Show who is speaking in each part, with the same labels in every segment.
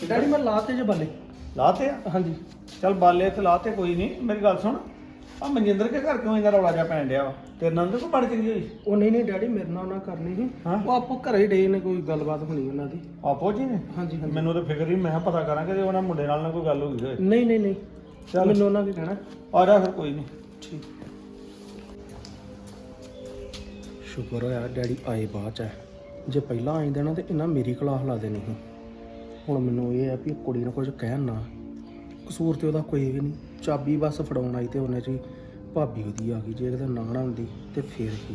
Speaker 1: Daddy ਮੈਂ ਲਾਤੇ ਜੇ ਬੱਲੇ।
Speaker 2: ਲਾਤੇ ਆ?
Speaker 1: ਹਾਂਜੀ।
Speaker 2: ਚੱਲ ਬਾਲੇ ਤੇ ਲਾਤੇ ਕੋਈ ਨਹੀਂ। ਮੇਰੀ ਗੱਲ ਸੁਣ, ਆ ਮਨਜਿੰਦਰ ਕੇ ਘਰ ਕਿਉਂ ਇੰਨਾ ਰੌਲਾ ਜਿਹਾ ਪੈਣ ਡਿਆ ਵਾ? ਤੇਰੇ ਨਾਲ ਤਾਂ ਕੋਈ ਬਣ ਚੰਗੀ ਹੋਈ?
Speaker 1: ਉਹ ਨਹੀਂ ਡੈਡੀ ਮੇਰੇ ਨਾਲ ਉਹਨਾਂ ਕਰਨੀ ਸੀ।
Speaker 2: ਹਾਂ?
Speaker 1: ਉਹ ਆਪੋ ਘਰੇ ਡੇ ਨੇ, ਕੋਈ ਗੱਲਬਾਤ ਹੋਣੀ ਉਹਨਾਂ ਦੀ।
Speaker 2: ਆਪੋ ਜੀ ਨੇ?
Speaker 1: ਹਾਂਜੀ ਹਾਂਜੀ।
Speaker 2: ਮੈਨੂੰ ਤਾਂ ਫਿਕਰ ਹੀ, ਮੈਂ ਕਿਹਾ ਪਤਾ ਕਰਾਂ ਕਿ ਉਹਨਾਂ ਮੁੰਡੇ ਨਾਲ ਨਾ ਕੋਈ ਗੱਲ ਹੋ ਗਈ ਹੋਏ।
Speaker 1: ਨਹੀਂ ਨਹੀਂ ਨਹੀਂ,
Speaker 2: ਚੱਲ।
Speaker 1: ਮੈਨੂੰ ਉਹਨਾਂ ਕੀ ਕਹਿਣਾ।
Speaker 2: ਆ ਜਾ ਫਿਰ, ਕੋਈ ਨਹੀਂ।
Speaker 1: ਠੀਕ। ਸ਼ੁਕਰ ਹੋਇਆ ਡੈਡੀ ਆਏ ਬਾਅਦ ਚ। ਜੇ ਪਹਿਲਾਂ ਆਈ ਦੇਣਾ ਤੇ ਇਹਨਾਂ ਮੇਰੀ ਕਲਾਸ ਲਾ ਦੇਣੀ ਸੀ। ਹੁਣ ਮੈਨੂੰ ਇਹ ਆ ਵੀ ਕੁੜੀ ਨੂੰ ਕੁਝ ਕਹਿਣ ਨਾ, ਕਸੂਰ ਤੇ ਉਹਦਾ ਕੋਈ ਵੀ ਨਹੀਂ। ਚਾਬੀ ਬਸ ਫੜਾਉਣ ਆਈ ਤੇ ਉਹਨੇ ਚ ਭਾਬੀ ਉਹਦੀ ਆ ਗਈ। ਜੇ ਕਿਤੇ ਨਾ ਨਾ ਹੁੰਦੀ ਤੇ ਫੇਰ ਕੀ।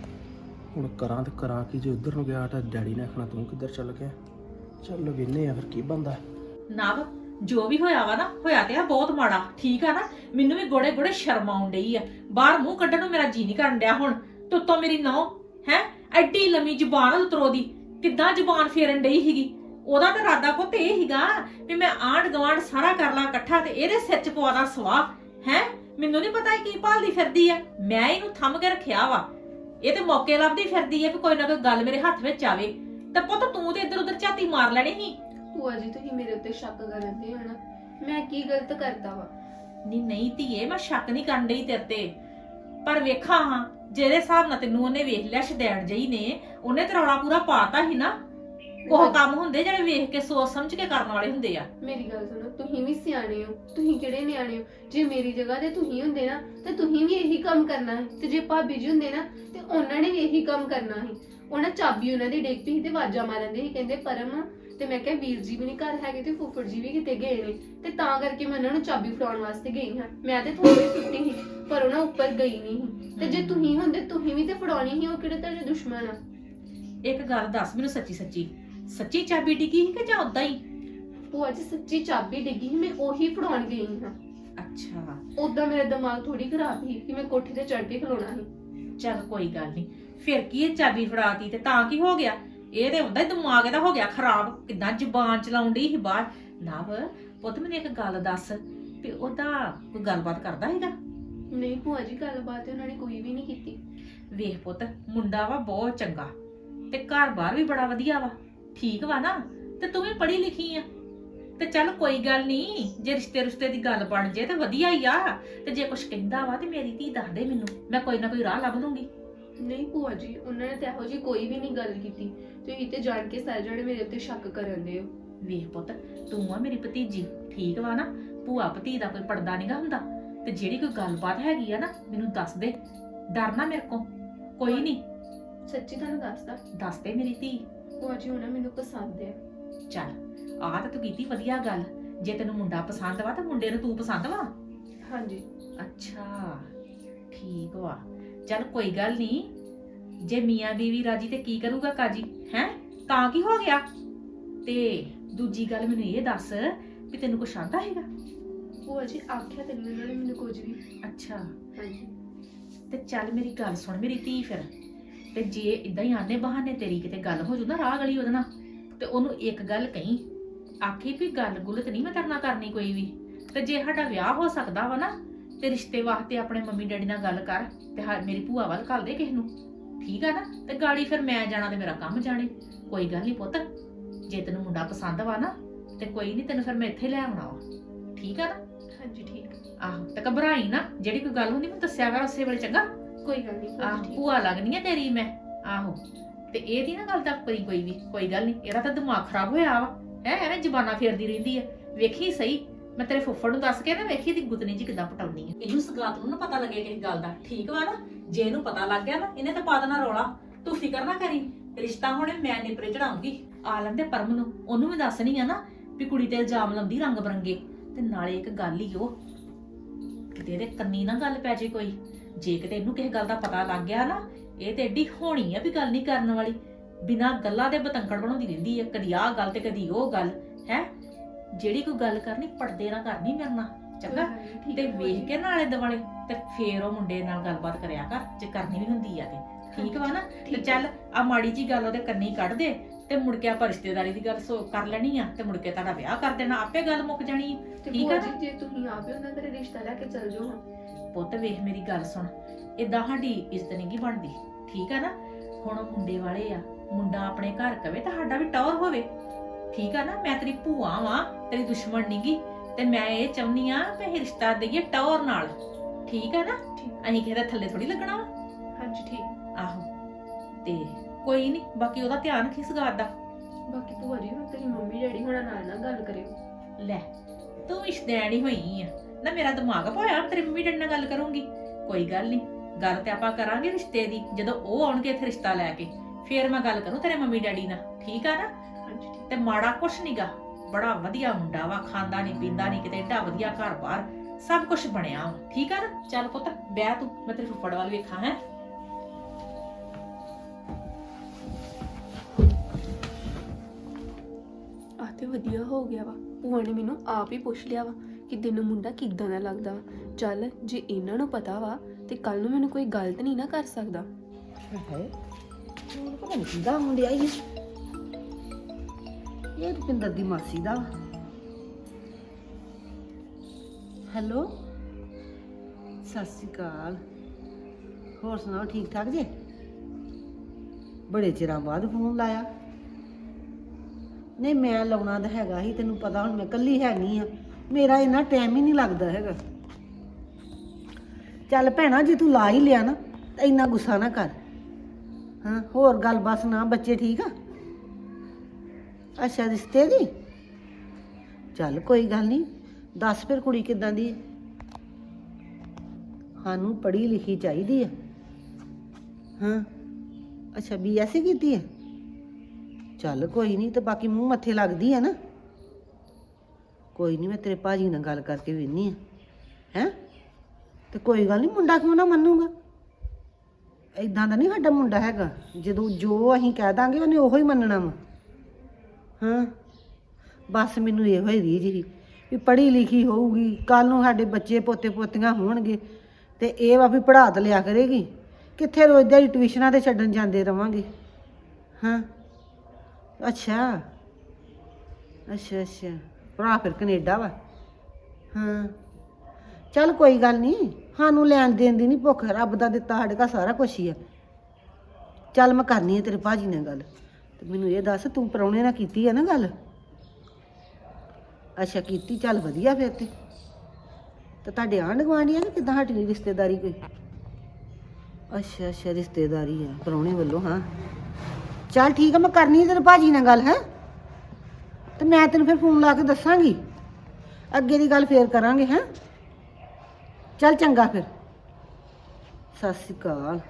Speaker 1: ਹੁਣ ਕਰਾਂ ਤੇ ਕਰਾਂ ਕੀ? ਜੇ ਉੱਧਰ ਨੂੰ ਗਿਆ ਤਾਂ ਡੈਡੀ ਨੇ ਆਖਣਾ ਤੂੰ ਕਿੱਧਰ ਚੱਲ ਗਿਆ। ਚੱਲ ਵੇਨੇ ਆ ਫਿਰ ਕੀ ਬੰਦਾ।
Speaker 3: ਨਵ, ਜੋ ਵੀ ਹੋਇਆ ਵਾ ਨਾ, ਹੋਇਆ ਤੇ ਆ ਬਹੁਤ ਮਾੜਾ, ਠੀਕ ਆ ਨਾ। ਮੈਨੂੰ ਵੀ ਗੋੜੇ ਗੋੜੇ ਸ਼ਰਮ ਆਉਣ ਡਈ ਆ। ਬਾਹਰ ਮੂੰਹ ਕੱਢਣ ਨੂੰ ਮੇਰਾ ਜੀ ਨਹੀਂ ਕਰਨ ਡਿਆ। ਹੁਣ ਤੁੱਤੋਂ ਮੇਰੀ ਨੌ ਹੈ ਐਡੀ ਲੰਮੀ ਜ਼ੁਬਾਨ ਉਤਰੋ ਦੀ, ਕਿੱਦਾਂ ਜ਼ੁਬਾਨ ਫੇਰਨ ਡਈ ਸੀਗੀ। ਉਹਦਾ ਤਾਂ ਇਰਾਦਾ ਪੁੱਤ ਇਹ ਸੀਗਾ ਵੀ ਮੈਂ ਆਂਢ ਗਵਾਂਢ ਸਾਰਾ ਕਰ ਲਾਂ ਇਕੱਠਾ ਤੇ ਇਹਦੇ ਸਿਰ 'ਚ ਪਵਾ ਦਾਂ ਸਵਾਹ। ਹੈ ਮੈਨੂੰ ਨਹੀਂ ਪਤਾ ਇਹ ਕੀ ਭਾਲਦੀ ਫਿਰਦੀ ਆ। ਮੈਂ ਇਹਨੂੰ ਥੰਮ ਕੇ ਰੱਖਿਆ ਵਾ। ਇਹ ਤੇ ਮੌਕੇ ਲੱਭਦੀ ਫਿਰਦੀ ਆ ਵੀ ਕੋਈ ਨਾ ਕੋਈ ਗੱਲ ਮੇਰੇ ਹੱਥ ਵਿੱਚ ਆਵੇ। ਤੇ ਪੁੱਤ ਤੂੰ ਤੇ ਇੱਧਰ ਉੱਧਰ ਝਾਤੀ ਮਾਰ ਲੈਣੀ ਸੀ।
Speaker 4: ਭੂਆ ਜੀ ਤੁਸੀਂ ਮੇਰੇ ਉੱਤੇ ਸ਼ੱਕ ਕਰਦੇ ਹੋ ਨਾ, ਮੈਂ ਕੀ ਗਲਤ ਕਰਤਾ ਵਾ?
Speaker 3: ਨਹੀਂ ਧੀਏ, ਮੈਂ ਸ਼ੱਕ ਨਹੀਂ ਕਰਨ ਡਈ ਤੇਰੇ ਤੇ, ਪਰ ਵੇਖਾਂ ਹਾਂ ਜਿਹੜੇ ਹਿਸਾਬ ਨਾਲ ਤੈਨੂੰ ਉਹਨੇ ਵੇਖ ਲਿਆ ਸ਼ਦੈਣ ਜਈ ਨੇ, ਉਹਨੇ ਤੇ ਰੌਲਾ ਪੂਰਾ ਪਾਤਾ ਸੀ ਨਾ। ਉਹ ਕੰਮ ਹੁੰਦੇ ਜਿਹੜੇ ਵੇਖ ਕੇ ਸੋਚ ਸਮਝ ਕੇ ਕਰਨ ਵਾਲੇ ਹੁੰਦੇ ਆ।
Speaker 4: ਮੇਰੀ ਗੱਲ ਸੁਣੋ, ਤੁਸੀਂ ਵੀ ਸਿਆਣੇ ਹੋ, ਤੁਸੀਂ ਕਿਹੜੇ ਨਿਆਣੇ ਹੋ? ਜੇ ਮੇਰੀ ਜਗ੍ਹਾ ਤੇ ਤੁਸੀਂ ਹੁੰਦੇ ਨਾ ਤੇ ਤੁਸੀਂ ਵੀ ਇਹੀ ਕੰਮ ਕਰਨਾ ਹੈ। ਤੇ ਜੇ ਭਾਬੀ ਜੀ ਹੁੰਦੇ ਨਾ ਤੇ ਉਹਨਾਂ ਨੇ ਵੀ ਇਹੀ ਕੰਮ ਕਰਨਾ ਸੀ। ਉਹਨਾਂ ਚਾਬੀ ਉਹਨਾਂ ਦੀ ਡਿੱਗ ਪਈ ਤੇ ਆਵਾਜ਼ਾਂ ਮਾਰਦੇ ਸੀ, ਕਹਿੰਦੇ ਪਰਮ। ਤੇ ਮੈਂ ਕਿਹਾ ਵੀਰ ਜੀ ਵੀ ਨਹੀਂ ਘਰ ਹੈਗੇ ਤੇ ਫੁੱਫੜ ਜੀ ਵੀ ਕਿਤੇ ਗਏ ਨੇ, ਤੇ ਤਾਂ ਕਰਕੇ ਮੈਂ ਉਹਨਾਂ ਨੂੰ ਚਾਬੀ ਫੜਾਉਣ ਵਾਸਤੇ ਗਈ ਹਾਂ। ਮੈਂ ਤੇ ਥੋੜੀ ਸੁੱਟੀ ਸੀ ਪਰ ਉਹਨਾਂ ਉੱਪਰ ਗਈ ਨਹੀਂ ਸੀ। ਤੇ ਜੇ ਤੁਸੀਂ ਹੁੰਦੇ ਤੁਸੀਂ ਵੀ ਤੇ ਫੜਾਉਣੀ ਸੀ। ਉਹ ਕਿਹੜੇ ਤੁਹਾਡੇ ਦੁਸ਼ਮਣ ਆ?
Speaker 3: ਇੱਕ ਗੱਲ ਦੱਸ ਮੈਨੂੰ ਸੱਚੀ ਸੱਚੀ, ਸੱਚੀ ਚਾਬੀ ਡਿੱਗੀ ਸੀ ਕਿ ਜਾਂ ਉਦਾਂ ਹੀ?
Speaker 4: ਭੂਆ ਜੀ ਸੱਚੀ ਚਾਬੀ ਡਿੱਗੀ ਸੀ, ਮੈਂ ਉਹੀ ਫੜਾਉਣ ਗਈ ਹਾਂ।
Speaker 3: ਅੱਛਾ,
Speaker 4: ਉਦਾਂ ਮੇਰਾ ਦਿਮਾਗ ਥੋੜੀ ਖਰਾਬ ਸੀ ਕਿ ਮੈਂ ਕੋਠੇ ਤੇ ਚੜ੍ਹ ਕੇ ਖਲੋਣਾ ਸੀ।
Speaker 3: ਚੱਲ ਕੋਈ ਗੱਲ ਨਹੀਂ। ਫਿਰ ਕੀ ਇਹ ਚਾਬੀ ਫੜਾਤੀ ਤੇ ਤਾਂ ਕੀ ਹੋ ਗਿਆ? ਇਹ ਤੇ ਹੁੰਦਾ ਹੀ ਦਿਮਾਗ ਇਹਦਾ ਹੋ ਗਿਆ ਖਰਾਬ। ਕਿੱਦਾਂ ਜ਼ੁਬਾਨ ਚਲਾਉਣ ਡਈ ਸੀ ਬਾਹਰ। ਨਵ ਪੁੱਤ ਮੈਨੂੰ ਇੱਕ ਗੱਲ ਦੱਸ ਵੀ ਉਹਦਾ ਕੋਈ ਗੱਲਬਾਤ ਕਰਦਾ ਹੈਗਾ?
Speaker 4: ਨਹੀਂ ਭੂਆ ਜੀ, ਗੱਲਬਾਤ ਉਹਨਾਂ ਨੇ ਕੋਈ ਵੀ ਨਹੀਂ ਕੀਤੀ।
Speaker 3: ਵੇਖ ਪੁੱਤ, ਮੁੰਡਾ ਵਾ ਬਹੁਤ ਚੰਗਾ ਤੇ ਘਰ-ਬਾਰ ਵੀ ਬੜਾ ਵਧੀਆ ਵਾ, ਠੀਕ ਵਾ ਨਾ। ਤੇ ਤੂੰ ਵੀ ਪੜ੍ਹੀ ਲਿਖੀ ਆ ਤੇ ਚੱਲ ਕੋਈ ਗੱਲ ਨਹੀਂ, ਜੇ ਰਿਸ਼ਤੇ ਦੀ ਗੱਲ ਬਣ ਜੇ ਤੇ ਵਧੀਆ ਹੀ ਆ। ਤੇ ਜੇ ਕੁਝ ਕਹਿੰਦਾ ਵਾ ਤੇ ਮੇਰੀ ਧੀ ਦੱਸ ਦੇ ਮੈਨੂੰ, ਮੈਂ ਕੋਈ ਨਾ ਕੋਈ ਰਾਹ ਲੱਭ ਲੂੰਗੀ।
Speaker 4: ਨਹੀਂ ਭੂਆ ਜੀ, ਉਹਨਾਂ ਨੇ ਤਾਂ ਇਹੋ ਜਿਹੀ ਕੋਈ ਵੀ ਨਹੀਂ ਗੱਲ ਕੀਤੀ। ਤੁਸੀਂ ਤੇ ਜਾਣ ਕੇ ਸਾਰੇ ਜਣੇ ਮੇਰੇ ਉੱਤੇ ਸ਼ੱਕ ਕਰਨ ਦੇ ਹੋ।
Speaker 3: ਵੇਖ ਪੁੱਤ, ਤੂੰ ਆ ਮੇਰੀ ਭਤੀਜੀ, ਠੀਕ ਵਾ ਨਾ। ਭੂਆ ਭਤੀ ਦਾ ਕੋਈ ਪਰਦਾ ਨਹੀਂਗਾ ਹੁੰਦਾ। ਤੇ ਜਿਹੜੀ ਕੋਈ ਗੱਲਬਾਤ ਹੈਗੀ ਆ ਨਾ, ਮੈਨੂੰ ਦੱਸ ਦੇ, ਡਰਨਾ ਮੇਰੇ ਕੋਲ ਕੋਈ ਨਹੀਂ।
Speaker 4: ਸੱਚੀ ਤੁਹਾਨੂੰ ਦੱਸਦਾ,
Speaker 3: ਦੱਸ ਦੇ ਮੇਰੀ ਧੀ।
Speaker 4: ਭੂਆ ਜੀ ਉਹਨਾਂ ਮੈਨੂੰ ਪਸੰਦ ਹੈ।
Speaker 3: ਚੱਲ ਆਹ ਤਾਂ ਤੂੰ ਕੀਤੀ ਵਧੀਆ ਗੱਲ। ਜੇ ਤੈਨੂੰ ਮੁੰਡਾ ਪਸੰਦ ਵਾ ਤਾਂ ਮੁੰਡੇ ਨੂੰ ਤੂੰ ਪਸੰਦ ਵਾ?
Speaker 4: ਹਾਂਜੀ।
Speaker 3: ਅੱਛਾ ਠੀਕ ਵਾ। ਚੱਲ ਕੋਈ ਗੱਲ ਨਹੀਂ, ਜੇ ਮੀਆਂ ਬੀਵੀ ਰਾਜੀ ਤੇ ਕੀ ਕਰੂਗਾ ਕਾਜੀ, ਹੈ ਤਾਂ ਕੀ ਹੋ ਗਿਆ? ਤੇ ਦੂਜੀ ਗੱਲ ਮੈਨੂੰ ਇਹ ਦੱਸ ਵੀ ਤੈਨੂੰ ਕੁਛ ਆਂਦਾ ਹੈਗਾ?
Speaker 4: ਭੂਆ ਜੀ ਆਖਿਆ ਤੇ ਨਹੀਂ ਉਹਨਾਂ ਨੇ ਮੈਨੂੰ ਕੁਝ ਵੀ।
Speaker 3: ਅੱਛਾ
Speaker 4: ਹਾਂਜੀ।
Speaker 3: ਤੇ ਚੱਲ ਮੇਰੀ ਗੱਲ ਸੁਣ ਮੇਰੀ ਧੀ, ਫਿਰ ਤੇ ਜੇ ਇਦਾਂ ਹੀ ਆਨੇ ਬਹਾਨੇ ਤੇਰੀ ਕਿਤੇ ਗੱਲ ਹੋ ਜੂ ਨਾ ਰਾਹ ਗਲੀ ਉਹਦੇ ਨਾਲ, ਤੇ ਉਹਨੂੰ ਇੱਕ ਗੱਲ ਕਹੀਂ, ਆਖੀ ਵੀ ਗੱਲ ਗੁੱਲਤ ਨਹੀਂ ਮੈਂ ਕਰਨਾ ਕਰਨੀ ਕੋਈ ਵੀ। ਤੇ ਜੇ ਸਾਡਾ ਵਿਆਹ ਹੋ ਸਕਦਾ ਵਾ ਨਾ ਤੇ ਰਿਸ਼ਤੇ ਵਾਸਤੇ ਆਪਣੇ ਮੰਮੀ ਡੈਡੀ ਨਾਲ ਗੱਲ ਕਰ ਤੇ ਮੇਰੀ ਭੂਆ ਵੱਲ ਘੱਲ ਦੇ ਕਿਸੇ ਨੂੰ, ਠੀਕ ਆ ਨਾ। ਤੇ ਗਾੜੀ ਫਿਰ ਮੈਂ ਜਾਣਾ ਤੇ ਮੇਰਾ ਕੰਮ ਜਾਣੇ। ਕੋਈ ਗੱਲ ਨਹੀਂ ਪੁੱਤ, ਜੇ ਤੈਨੂੰ ਮੁੰਡਾ ਪਸੰਦ ਵਾ ਨਾ ਤੇ ਕੋਈ ਨਹੀਂ, ਤੈਨੂੰ ਫਿਰ ਮੈਂ ਇੱਥੇ ਲੈ ਆਉਣਾ ਵਾ, ਠੀਕ ਆ ਨਾ।
Speaker 4: ਹਾਂਜੀ ਠੀਕ।
Speaker 3: ਆਹੋ ਤੇ ਘਬਰਾਈ ਨਾ, ਜਿਹੜੀ ਕੋਈ ਗੱਲ ਹੁੰਦੀ ਮੈਨੂੰ ਦੱਸਿਆ ਕਰ ਉਸੇ ਵੇਲੇ, ਚੰਗਾ?
Speaker 4: ਕੋਈ ਗੱਲ ਨਹੀਂ
Speaker 3: ਆਹ
Speaker 4: ਭੂਆ ਜੀ।
Speaker 3: ਭੂਆ ਲੱਗਣੀ ਆ ਤੇਰੀ ਮੈਂ। ਆਹੋ ਤੇ ਇਹਦੀ ਨਾ ਗੱਲ ਤਾਂ ਕੋਈ ਵੀ, ਕੋਈ ਗੱਲ ਨਹੀਂ। ਇਹਦਾ ਤਾਂ ਦਿਮਾਗ ਖਰਾਬ ਹੋਇਆ ਵਾ, ਹੈ ਐਵੇਂ ਜ਼ਬਾਨਾਂ ਫੇਰਦੀ ਰਹਿੰਦੀ ਆ। ਵੇਖੀ ਸਹੀ, ਮੈਂ ਤੇਰੇ ਫੁੱਫੜ ਨੂੰ ਦੱਸ ਕੇ ਨਾ ਵੇਖੀ ਦੀ ਗੁੱਤਨੀ ਜੀ ਕਿੱਦਾਂ ਪਟਾਉਣੀ ਆ। ਇਹਨੂੰ ਸਗਲਾਤ ਨੂੰ ਨਾ ਪਤਾ ਲੱਗੇ ਕਿਸੇ ਗੱਲ ਦਾ, ਠੀਕ ਵਾ ਨਾ। ਜੇ ਇਹਨੂੰ ਪਤਾ ਲੱਗ ਗਿਆ ਨਾ, ਇਹਨੇ ਤਾਂ ਪਾ ਦੇਣਾ ਰੌਲਾ। ਤੂੰ ਫਿਕਰ ਨਾ ਕਰੀ, ਰਿਸ਼ਤਾ ਹੁਣੇ ਮੈਂ ਨਿਪਰੇ ਚੜਾਉਂਗੀ। ਆ ਲੈਂਦੇ ਪਰਮ ਨੂੰ, ਉਹਨੂੰ ਵੀ ਦੱਸਣੀ ਆ ਨਾ ਵੀ ਕੁੜੀ ਤੇ ਇਲਜ਼ਾਮ ਲਾਉਂਦੀ ਰੰਗ ਬਰੰਗੇ। ਤੇ ਨਾਲੇ ਇੱਕ ਗੱਲ ਹੀ ਉਹ, ਕਿਤੇ ਇਹਦੇ ਕੰਨੀ ਨਾ ਗੱਲ ਪੈ ਜੇ ਕੋਈ। ਜੇ ਕਿਤੇ ਇਹਨੂੰ ਕਿਸੇ ਗੱਲ ਦਾ ਪਤਾ ਲੱਗ ਗਿਆ ਨਾ, ਇਹ ਤੇ ਏਡੀ ਹੋਣੀ ਆ ਵੀ ਗੱਲ ਨਹੀਂ ਕਰਨ ਵਾਲੀ। ਬਿਨਾਂ ਗੱਲਾਂ ਦੇ ਬਤੰਕੜ ਬਣਾਉਂਦੀ ਰਹਿੰਦੀ ਹੈ, ਕਦੀ ਆਹ ਗੱਲ ਤੇ ਕਦੀ ਉਹ ਗੱਲ। ਹੈ ਜਿਹੜੀ ਕੋਈ ਗੱਲ ਕਰਨੀ ਪਰਦੇ ਨਾਲ ਕਰਨੀ ਮੇਰੇ ਨਾਲ, ਚੰਗਾ? ਤੇ ਵੇਖ ਕੇ ਨਾਲੇ ਦੁਆਲੇ ਤੇ ਫੇਰ ਉਹ ਮੁੰਡੇ ਨਾਲ ਗੱਲਬਾਤ ਕਰਿਆ ਕਰ, ਜੇ ਕਰਨੀ ਵੀ ਹੁੰਦੀ ਆ ਤੇ, ਠੀਕ ਵਾ ਨਾ। ਤੇ ਚੱਲ ਆ ਮਾੜੀ ਜੀ ਗੱਲ ਉਹਦੇ ਕੰਨੀ ਕੱਢ ਦੇ ਤੇ ਮੁੜ ਕੇ ਆਪਾਂ ਰਿਸ਼ਤੇਦਾਰੀ ਦੀ ਗੱਲ ਕਰ ਲੈਣੀ ਆ ਤੇ ਮੁੜ ਕੇ ਤੁਹਾਡਾ ਵਿਆਹ ਕਰ ਦੇਣਾ, ਆਪੇ ਗੱਲ ਮੁੱਕ ਜਾਣੀ। ਠੀਕ ਆ ਨਾ?
Speaker 4: ਜੇ ਤੁਸੀਂ ਆਪੇ ਉਹਨਾਂ ਦਾ ਰਿਸ਼ਤਾ ਲੈ ਕੇ ਚੱਲ ਜਾਓ ਹਾਂ।
Speaker 3: ਪੁੱਤ ਵੇਖ ਮੇਰੀ ਗੱਲ ਸੁਣ, ਏਦਾਂ ਸਾਡੀ ਇੱਜ਼ਤ ਨਹੀਂ ਗੀ ਬਣਦੀ, ਠੀਕ ਆ ਨਾ। ਹੁਣ ਉਹ ਮੁੰਡੇ ਵਾਲੇ ਆ, ਮੁੰਡਾ ਆਪਣੇ ਘਰ ਕਵੇ ਤਾਂ ਸਾਡਾ ਵੀ ਟੌਰ ਹੋਵੇ। ਠੀਕ ਆ ਨਾ, ਮੈਂ ਤੇਰੀ ਭੂਆ ਵਾਂ, ਤੇਰੀ ਦੁਸ਼ਮਣ ਨਹੀਂਗੀ। ਤੇ ਮੈਂ ਇਹ ਚਾਹੁੰਦੀ ਆ ਕਿ ਇਹ ਰਿਸ਼ਤਾ ਦੇਈਏ ਟੌਰ ਨਾਲ, ਠੀਕ ਆ ਨਾ। ਅਸੀਂ ਕਿਸੇ ਦੇ ਥੱਲੇ ਥੋੜੀ ਲੱਗਣਾ ਵਾ।
Speaker 4: ਹਾਂਜੀ ਠੀਕ।
Speaker 3: ਆਹੋ ਤੇ ਕੋਈ ਨਹੀਂ, ਬਾਕੀ ਉਹਦਾ ਧਿਆਨ ਰੱਖੀ ਇਸ ਗੱਲ ਦਾ।
Speaker 4: ਬਾਕੀ ਭੂਆ ਜੀ ਹੁਣ ਤੇਰੀ ਮੰਮੀ ਡੈਡੀ ਹੋਣਾ ਨਾਲ ਨਾ ਗੱਲ ਕਰਿਓ।
Speaker 3: ਲੈ ਤੂੰ ਇਸ਼ਦੈਣੀ ਹੋਈ ਆ ਨਾ, ਮੇਰਾ ਦਿਮਾਗ ਪਾਇਆ ਤੇਰੀ ਮੰਮੀ ਡੈਡੀ ਨਾਲ ਗੱਲ ਕਰੂੰਗੀ। ਕੋਈ ਗੱਲ ਨਹੀਂ, ਗੱਲ ਤੇ ਆਪਾਂ ਕਰਾਂਗੇ ਰਿਸ਼ਤੇ ਦੀ, ਜਦੋਂ ਉਹ ਆਉਣਗੇ ਇੱਥੇ ਰਿਸ਼ਤਾ ਲੈ ਕੇ, ਫੇਰ ਮੈਂ ਗੱਲ ਕਰੂੰ ਤੇਰੇ ਮੰਮੀ ਡੈਡੀ ਨਾਲ, ਠੀਕ ਆ ਨਾ।
Speaker 4: ਹਾਂਜੀ ਠੀਕ।
Speaker 3: ਤੇ ਮਾੜਾ ਕੁਛ ਨਹੀਂਗਾ, ਬੜਾ ਵਧੀਆ ਮੁੰਡਾ ਵਾ, ਖਾਂਦਾ ਨਹੀਂ ਪੀਂਦਾ ਨਹੀਂ, ਕਿਤੇ ਏਡਾ ਵਧੀਆ ਘਰ ਬਾਰ ਸਭ ਕੁਝ ਬਣਿਆ ਵਾ, ਠੀਕ ਆ ਨਾ। ਚੱਲ ਪੁੱਤ ਬਹਿ ਤੂੰ, ਮੈਂ ਤੇਰੇ ਫੁੱਫੜ ਵੱਲ ਵੇਖਾਂ। ਹੈ
Speaker 4: ਆ ਤੇ ਵਧੀਆ ਹੋ ਗਿਆ ਵਾ, ਭੂਆ ਨੇ ਮੈਨੂੰ ਆਪ ਹੀ ਪੁੱਛ ਲਿਆ ਵਾ ਕਿ ਤੈਨੂੰ ਮੁੰਡਾ ਕਿੱਦਾਂ ਦਾ ਲੱਗਦਾ ਵਾ। ਚੱਲ ਜੇ ਇਹਨਾਂ ਨੂੰ ਪਤਾ ਵਾ ਤੇ ਕੱਲ ਨੂੰ ਮੈਨੂੰ ਕੋਈ ਗਲਤ ਨਹੀਂ ਨਾ ਕਰ ਸਕਦਾ।
Speaker 5: ਹਾਏ ਹੁਣ ਪਤਾ ਨਹੀਂ ਕਿਹਦਾ ਮੁੰਡਿਆ ਹੀ ਇਹ ਰੁਪਿੰਦਰ ਦੀ ਮਾਸੀ ਦਾ। ਹੈਲੋ ਸਤਿ ਸ਼੍ਰੀ ਅਕਾਲ, ਹੋਰ ਸੁਣਾਓ ਠੀਕ ਠਾਕ ਜੇ? ਬੜੇ ਚਿਰਾਂ ਬਾਅਦ ਫੋਨ ਲਾਇਆ। ਨਹੀਂ ਮੈਂ ਲਾਉਣਾ ਤਾਂ ਹੈਗਾ ਹੀ, ਤੈਨੂੰ ਪਤਾ ਹੁਣ ਮੈਂ ਇਕੱਲੀ ਹੈਗੀ ਆ, ਮੇਰਾ ਇੰਨਾ ਟਾਈਮ ਹੀ ਨਹੀਂ ਲੱਗਦਾ ਹੈਗਾ। ਚੱਲ ਭੈਣਾ ਜੇ ਤੂੰ ਲਾ ਹੀ ਲਿਆ ਨਾ ਤਾਂ ਇੰਨਾ ਗੁੱਸਾ ਨਾ ਕਰ। ਹਾਂ ਹੋਰ ਗੱਲ ਬਸ ਨਾ, ਬੱਚੇ ਠੀਕ ਆ? ਅੱਛਾ ਰਿਸ਼ਤੇ ਦੀ, ਚੱਲ ਕੋਈ ਗੱਲ ਨਹੀਂ, ਦੱਸ ਫਿਰ ਕੁੜੀ ਕਿੱਦਾਂ ਦੀ ਹੈ? ਸਾਨੂੰ ਪੜ੍ਹੀ ਲਿਖੀ ਚਾਹੀਦੀ ਆ। ਹਾਂ ਅੱਛਾ BSc ਕੀਤੀ ਹੈ, ਚੱਲ ਕੋਈ ਨਹੀਂ, ਤੇ ਬਾਕੀ ਮੂੰਹ ਮੱਥੇ ਲੱਗਦੀ ਆ ਨਾ। ਕੋਈ ਨਹੀਂ ਮੈਂ ਤੇਰੇ ਭਾਜੀ ਨਾਲ ਗੱਲ ਕਰਕੇ ਵੇਖਨੀ ਆ। ਹੈਂ ਤੇ ਕੋਈ ਗੱਲ ਨਹੀਂ, ਮੁੰਡਾ ਕਿਉਂ ਨਾ ਮੰਨੂਗਾ? ਇਦਾਂ ਦਾ ਨਹੀਂ ਸਾਡਾ ਮੁੰਡਾ ਹੈਗਾ, ਜਦੋਂ ਜੋ ਅਸੀਂ ਕਹਿ ਦਾਂਗੇ ਉਹਨੇ ਉਹੋ ਹੀ ਮੰਨਣਾ ਵਾ। ਹਾਂ ਬਸ ਮੈਨੂੰ ਇਹੋ ਹੀ ਰੀਝ ਸੀ ਵੀ ਪੜ੍ਹੀ ਲਿਖੀ ਹੋਊਗੀ, ਕੱਲ ਨੂੰ ਸਾਡੇ ਬੱਚੇ ਪੋਤੇ ਪੋਤੀਆਂ ਹੋਣਗੇ ਤੇ ਇਹ ਵਾ ਵੀ ਪੜ੍ਹਾ ਤਾਂ ਲਿਆ ਕਰੇਗੀ, ਕਿੱਥੇ ਰੋਜ਼ ਦਿਹਾੜੀ ਟਿਊਸ਼ਨਾਂ ਤੇ ਛੱਡਣ ਜਾਂਦੇ ਰਵਾਂਗੇ। ਹਾਂ ਅੱਛਾ ਅੱਛਾ ਅੱਛਾ, ਭਰਾ ਫਿਰ ਕੈਨੇਡਾ ਵਾ। ਹਾਂ ਚੱਲ ਕੋਈ ਗੱਲ ਨਹੀਂ, ਸਾਨੂੰ ਲੈਣ ਦੇਣ ਦੀ ਨਹੀਂ ਭੁੱਖ, ਰੱਬ ਦਾ ਦਿੱਤਾ ਸਾਡੇ ਘਰ ਸਾਰਾ ਕੁਛ ਹੀ ਆ। ਚੱਲ ਮੈਂ ਕਰਨੀ ਆ ਤੇਰੇ ਭਾਜੀ ਨਾਲ ਗੱਲ, ਤੇ ਮੈਨੂੰ ਇਹ ਦੱਸ ਤੂੰ ਪ੍ਰਾਹੁਣੇ ਨਾਲ ਕੀਤੀ ਆ ਨਾ ਗੱਲ? ਅੱਛਾ ਕੀਤੀ, ਚੱਲ ਵਧੀਆ ਫਿਰ ਤੇ ਤੁਹਾਡੇ ਆਂਢ ਗੁਆਂਢੀ ਆ ਨਾ ਕਿੱਦਾਂ ਸਾਡੀ ਰਿਸ਼ਤੇਦਾਰੀ ਕੋਈ? ਅੱਛਾ ਅੱਛਾ ਰਿਸ਼ਤੇਦਾਰੀ ਆ ਪ੍ਰਾਹੁਣੇ ਵੱਲੋਂ। ਹਾਂ ਚੱਲ ਠੀਕ ਆ, ਮੈਂ ਕਰਨੀ ਆ ਤੇਰੇ ਭਾਜੀ ਨਾਲ ਗੱਲ। ਹੈ ਤੇ ਮੈਂ ਤੈਨੂੰ ਫਿਰ ਫੋਨ ਲਾ ਕੇ ਦੱਸਾਂਗੀ, ਅੱਗੇ ਦੀ ਗੱਲ ਫੇਰ ਕਰਾਂਗੇ। ਹੈਂ ਚੱਲ ਚੰਗਾ ਫਿਰ, ਸਤਿ ਸ਼੍ਰੀ ਅਕਾਲ।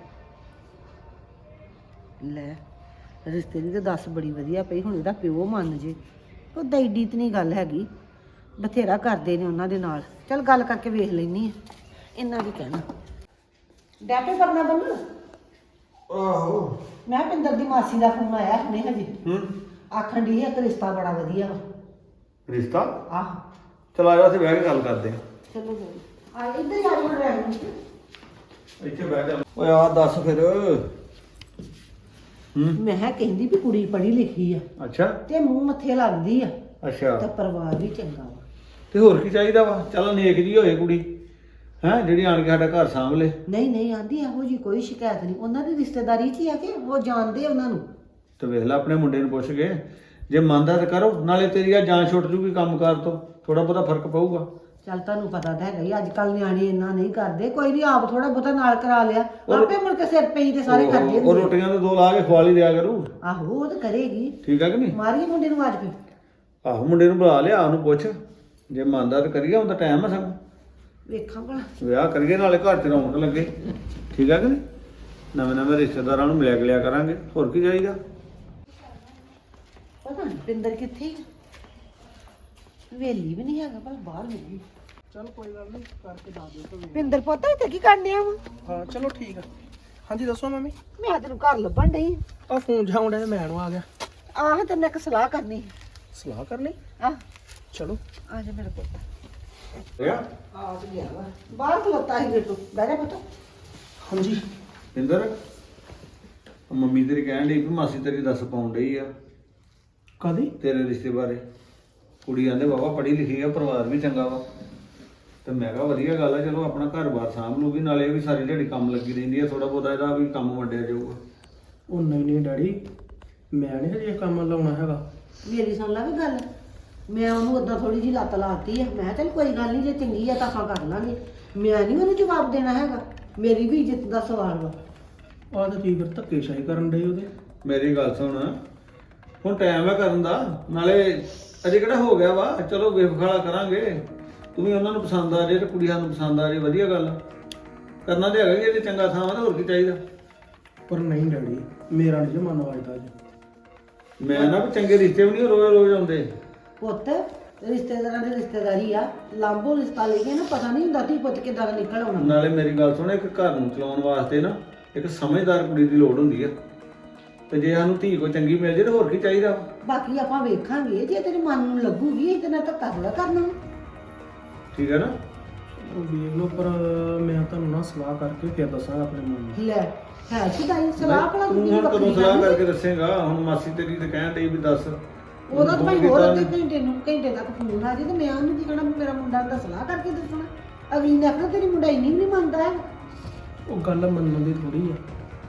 Speaker 5: ਲੈ ਰਿਸ਼ਤੇ ਦੀ ਤਾਂ ਦੱਸ ਬੜੀ ਵਧੀਆ ਪਈ, ਹੁਣ ਇਹਦਾ ਪਿਓ ਮੰਨ ਜੇ, ਉਹਦਾ ਏਡੀ ਤਾਂ ਨਹੀਂ ਗੱਲ ਹੈਗੀ, ਬਥੇਰਾ ਕਰਦੇ ਨੇ ਉਹਨਾਂ ਦੇ ਨਾਲ। ਚੱਲ ਗੱਲ ਕਰਕੇ ਵੇਖ ਲੈਣੀ ਆ, ਇੰਨਾ ਕੀ ਕਹਿਣਾ। ਡੈਪੇ ਕਰਨਾ ਬੰਨ।
Speaker 2: ਆਹੋ
Speaker 5: ਮੈਂ ਪਿੰਦਰ ਦੀ ਮਾਸੀ ਦਾ ਫੋਨ ਆਇਆ ਹੁਣੇ ਹਜੇ, ਆਖਣ ਦੀ ਇੱਕ ਰਿਸ਼ਤਾ ਬੜਾ ਵਧੀਆ ਵਾ।
Speaker 2: ਰਿਸ਼ਤਾ?
Speaker 5: ਆਹ
Speaker 2: ਚਲ ਆ ਜਾ, ਉੱਥੇ ਬਹਿ ਕੇ ਗੱਲ ਕਰਦੇ।
Speaker 5: ਚਲੋ ਆ ਇੱਧਰ ਹੀ ਆ ਜਾਓ ਡਰਾਈਵਰ।
Speaker 2: ਇੱਥੇ ਬਹਿ ਜਾ। ਓਏ ਆ ਦੱਸ ਫਿਰ।
Speaker 5: ਮੈਂ ਕਿਹਾ ਕਹਿੰਦੀ ਵੀ ਕੁੜੀ ਪੜ੍ਹੀ ਲਿਖੀ ਆ
Speaker 2: ਅੱਛਾ
Speaker 5: ਤੇ ਮੂੰਹ ਮੱਥੇ ਲੱਗਦੀ ਆ
Speaker 2: ਅੱਛਾ,
Speaker 5: ਤੇ ਪਰਿਵਾਰ ਵੀ ਚੰਗਾ ਵਾ।
Speaker 2: ਤੇ ਹੋਰ ਕੀ ਚਾਹੀਦਾ ਵਾ? ਚੱਲ ਨੇਕ ਜੀ ਹੋਏ ਕੁੜੀ, ਹੈ ਜਿਹੜੀ ਆਣ ਕੇ ਸਾਡਾ ਘਰ ਸਾਂਭ ਲੇ।
Speaker 5: ਨਹੀਂ ਆਂਦੀ ਇਹੋ ਜੀ ਕੋਈ ਸ਼ਿਕਾਇਤ ਨਹੀਂ, ਉਹਨਾਂ ਦੀ ਰਿਸ਼ਤੇਦਾਰੀ 'ਚ ਹੀ ਆ ਕਿ ਉਹ ਜਾਣਦੇ ਉਹਨਾਂ ਨੂੰ।
Speaker 2: ਤੇ ਵੇਖ ਲੈ ਆਪਣੇ ਮੁੰਡੇ ਨੂੰ ਪੁੱਛ ਕੇ, ਜੇ ਮੰਨਦਾ ਤਾਂ ਕਰੋ, ਨਾਲੇ ਤੇਰੀ ਆ ਜਾਨ ਛੁੱਟ ਜੂਗੀ ਕੰਮਕਾਰ ਤੋਂ, ਥੋੜਾ ਬਹੁਤਾ ਫਰਕ ਪਊਗਾ।
Speaker 5: ਚੱਲ ਤੁਹਾਨੂੰ ਪਤਾ ਤਾਂ ਹੈਗਾ ਹੀ, ਅੱਜ ਕੱਲ ਨਿਆਣੇ ਇੰਨਾ ਨਹੀਂ ਕਰਦੇ। ਕੋਈ ਨਹੀਂ ਆਪ ਥੋੜਾ ਬਹੁਤਾ ਨਾਲ ਕਰਾ ਲਿਆ, ਆਪੇ ਮੁੜ ਕੇ ਸਿਰ ਪਈ ਤੇ ਸਾਰੇ ਕਰਦੇ
Speaker 2: ਉਹ
Speaker 5: ਹੁੰਦੇ।
Speaker 2: ਰੋਟੀਆਂ ਤਾਂ ਦੋ ਲਾ ਕੇ ਖਵਾ ਲਈ ਦਿਆ ਕਰੂ।
Speaker 5: ਆਹੋ ਉਹ ਤਾਂ ਕਰੇਗੀ।
Speaker 2: ਠੀਕ ਹੈ ਕਿ ਨਹੀਂ?
Speaker 5: ਮਾਰੀਏ ਮੁੰਡੇ ਨੂੰ ਅੱਜ ਫਿਰ।
Speaker 2: ਆਹੋ ਮੁੰਡੇ ਨੂੰ ਬੁਲਾ ਲਿਆ, ਉਹਨੂੰ ਪੁੱਛ, ਜੇ ਮੰਨਦਾ ਤਾਂ ਕਰੀਏ, ਹੁਣ ਤਾਂ ਟਾਈਮ ਆ ਸਗੋਂ,
Speaker 5: ਵੇਖਾਂ ਭਲਾ।
Speaker 2: ਵਿਆਹ ਕਰੀਏ, ਨਾਲੇ ਘਰ 'ਚ ਰੌਣਕ ਲੱਗੇ। ਠੀਕ ਹੈ ਕਿ ਨਹੀਂ? ਨਵੇਂ ਰਿਸ਼ਤੇਦਾਰਾਂ ਨੂੰ ਮਿਲਿਆ ਗਿਲਿਆ ਕਰਾਂਗੇ, ਹੋਰ ਕੀ ਚਾਹੀਦਾ।
Speaker 5: ਪਤਾ ਨਹੀਂ ਪਿੰਦਰ ਕਿੱਥੇ ਵੇਲੀ ਵੀ ਨਹੀਂ ਹੈਗਾ, ਪਰ ਬਾਹਰ ਮਿਲੀ।
Speaker 1: ਚਲ ਕੋਈ ਗੱਲ ਨਹੀਂ, ਕਰਕੇ ਦੱਸ ਦਿਓ ਤੁਹਾਨੂੰ।
Speaker 5: ਪਿੰਦਰ ਪੁੱਤ ਇੱਥੇ ਕੀ ਕਰਨੇ ਆ ਵਾ?
Speaker 1: ਹਾਂ ਚਲੋ ਠੀਕ ਆ। ਹਾਂਜੀ ਦੱਸੋ ਮੰਮੀ।
Speaker 5: ਮੈਂ ਤੈਨੂੰ ਘਰ ਲੱਭਣ ਡਈ।
Speaker 1: ਆ ਫੋਨ ਜਾਉਂਦਾ ਤੇ ਮੈਂ ਨੂੰ ਆ ਗਿਆ।
Speaker 5: ਆਹ ਤੈਨੂੰ ਇੱਕ ਸਲਾਹ ਕਰਨੀ।
Speaker 1: ਸਲਾਹ ਕਰਨੀ?
Speaker 5: ਆਹ
Speaker 1: ਚਲੋ
Speaker 5: ਆ ਜਾ ਮੇਰਾ ਪੁੱਤ।
Speaker 2: ਰਿਹਾ
Speaker 5: ਆ ਤੇ ਗਿਆ ਵਾ, ਬਾਹਰ ਖਲੋਤਾ ਸੀ ਬੇਟੂ। ਬਹਿ ਜਾ ਪੁੱਤ।
Speaker 1: ਹਾਂਜੀ
Speaker 2: ਇੰਦਰ, ਮੰਮੀ ਤੇਰੀ ਕਹਿਣ ਡਈ ਵੀ ਮਾਸੀ ਤੇਰੀ ਦੱਸ ਪਾਉਣ ਡਈ ਆ
Speaker 1: ਕਦੀ?
Speaker 2: ਤੇਰੇ ਰਿਸ਼ਤੇ ਬਾਰੇ। ਕੁੜੀ ਆਂਦੇ ਬਾਬਾ ਪੜ੍ਹੀ ਲਿਖੀ ਆ, ਪਰਿਵਾਰ ਵੀ ਚੰਗਾ ਵਾ। ਤੇ ਮੈਂ ਕਿਹਾ ਵਧੀਆ ਗੱਲ ਆ, ਚਲੋ ਆਪਣਾ ਘਰ-ਬਾਰ ਸਾਂਭ ਲੂਗੀ, ਨਾਲੇ ਇਹ ਵੀ ਸਾਰੀ ਦਿਹਾੜੀ ਕੰਮ ਲੱਗੀ ਰਹਿੰਦੀ ਆ, ਥੋੜਾ ਬਹੁਤਾ ਇਹਦਾ ਵੀ ਕੰਮ ਵੰਡਿਆ ਜਾਊਗਾ।
Speaker 1: ਉਹ ਨਹੀਂ ਡੈਡੀ, ਮੈਂ ਨਹੀਂ ਹਜੇ ਕੰਮ ਲਾਉਣਾ ਹੈਗਾ।
Speaker 5: ਮੇਰੀ ਸੁਣ ਲਾ ਵੀ ਗੱਲ, ਮੈਂ ਉਹਨੂੰ ਉਦਾਂ ਥੋੜੀ ਜਿਹੀ ਲੱਤ ਲਾਤੀ ਆ, ਮੈਂ ਕਿਹਾ ਚੱਲ ਕੋਈ ਗੱਲ ਨਹੀਂ, ਜੇ ਚੰਗੀ ਆ ਤਾਂ ਆਪਾਂ ਕਰ ਲਾਂਗੇ। ਮੈਂ ਨਹੀਂ ਉਹਨੂੰ ਜਵਾਬ ਦੇਣਾ ਹੈਗਾ, ਮੇਰੀ ਵੀ ਇੱਜ਼ਤ ਦਾ ਸਵਾਲ ਵਾ।
Speaker 1: ਆਹ ਤਾਂ ਕੀ ਫਿਰ ਧੱਕੇਸ਼ਾਹੀ ਕਰਨ ਡਏ ਉਹਦੇ।
Speaker 2: ਮੇਰੀ ਗੱਲ ਸੁਣ, ਹੁਣ ਟਾਈਮ ਹੈ ਕਰਨ ਦਾ, ਨਾਲੇ ਅਜੇ ਕਿਹੜਾ ਹੋ ਗਿਆ ਵਾ, ਚਲੋ ਵੇਖਾਲਾ ਕਰਾਂਗੇ। ਤੂੰ ਵੀ ਉਹਨਾਂ ਨੂੰ ਪਸੰਦ ਆ ਜੇ ਤੇ ਕੁੜੀਆਂ ਨੂੰ ਪਸੰਦ ਆ ਜੇ, ਵਧੀਆ ਗੱਲ ਆ। ਕਰਨਾ ਤੇ ਹੈਗਾ ਹੀ ਇਹ ਤੇ ਚੰਗਾ ਥਾਂ ਵਾ, ਤੇ ਹੋਰ ਕੀ ਚਾਹੀਦਾ।
Speaker 1: ਪਰ ਨਹੀਂ ਡੈਡੀ, ਮੇਰਾ ਨਹੀਂ ਮਨ ਵੱਜਦਾ ਅੱਜ।
Speaker 2: ਮੈਂ ਨਾ ਵੀ ਚੰਗੇ ਰਿਸ਼ਤੇ ਵੀ ਨਹੀਂ ਰੋਜ਼ ਰੋਜ਼ ਆਉਂਦੇ।
Speaker 5: ਪੁੱਤ ਰਿਸ਼ਤੇਦਾਰਾਂ ਦੀ ਰਿਸ਼ਤੇਦਾਰੀ ਆ, ਲਾਂਭੋ ਰਿਸ਼ਤਾ ਲੈ ਕੇ ਨਾ ਪਤਾ ਨਹੀਂ ਹੁੰਦਾ ਤੀ ਪੁੱਤ ਕਿੱਦਾਂ ਦਾ ਨਿਕਲ ਆਉਣਾ।
Speaker 2: ਨਾਲੇ ਮੇਰੀ ਗੱਲ ਸੁਣ, ਇੱਕ ਘਰ ਨੂੰ ਚਲਾਉਣ ਵਾਸਤੇ ਨਾ ਇੱਕ ਸਮਝਦਾਰ ਕੁੜੀ ਦੀ ਲੋੜ ਹੁੰਦੀ ਆ, ਤੇ ਜੇ ਸਾਨੂੰ ਧੀ ਕੋਈ ਚੰਗੀ ਮਿਲ ਜੇ ਤੇ ਹੋਰ ਕੀ ਚਾਹੀਦਾ।
Speaker 5: ਬਾਕੀ ਆਪਾਂ ਵੇਖਾਂਗੇ, ਜੇ ਤੇਰੇ ਮਨ ਨੂੰ ਲੱਗੂਗੀ ਇਹਦੇ ਨਾਲ ਤਾਂ ਥੋੜਾ ਕਰਨਾ।
Speaker 2: ਠੀਕ ਹੈ ਨਾ?
Speaker 1: ਉਹ ਵੇਖ ਲਓ, ਪਰ ਮੈਂ ਤੁਹਾਨੂੰ ਨਾ ਸਲਾਹ ਕਰਕੇ ਫਿਰ ਦੱਸਾਂਗਾ ਆਪਣੇ ਮਨ ਨੂੰ।
Speaker 5: ਲੈ ਹੈ ਸ਼ਿਦਾਈ ਸਲਾਹ ਭਲਾ
Speaker 2: ਤੂੰ
Speaker 5: ਕੀ
Speaker 2: ਹੁਣ
Speaker 5: ਵੱਖਰੀ
Speaker 2: ਕਦੋਂ ਸਲਾਹ
Speaker 5: ਕਰਨੀ?
Speaker 2: ਕਰਕੇ ਦੱਸੇਗਾ? ਹੁਣ ਮਾਸੀ ਤੇਰੀ ਤੇ ਕਹਿਣ ਡਈ ਵੀ ਦੱਸ।
Speaker 5: ਉਹਦਾ ਤਾਂ ਭਾਈ
Speaker 2: ਹੁਣ
Speaker 5: ਹੋਰ
Speaker 2: ਕੀਤਾ
Speaker 5: ਅੱਧੇ ਘੰਟੇ ਤੱਕ ਫੋਨ ਆ ਜੇ ਤੇ ਮੈਂ ਉਹਨੂੰ ਕੀ ਕਹਿਣਾ ਵੀ ਮੇਰਾ ਮੁੰਡਾ ਦਾ ਸਲਾਹ ਕਰਕੇ ਦੱਸਣਾ। ਅਗਲੀ ਨੇ ਆਖਣਾ ਤੇਰੀ ਮੁੰਡਾ ਇੰਨੀ ਵੀ ਨਹੀਂ ਮੰਨਦਾ ਹੈ।
Speaker 1: ਉਹ ਗੱਲ ਮੰਨਣ ਦੀ ਥੋੜੀ ਆ।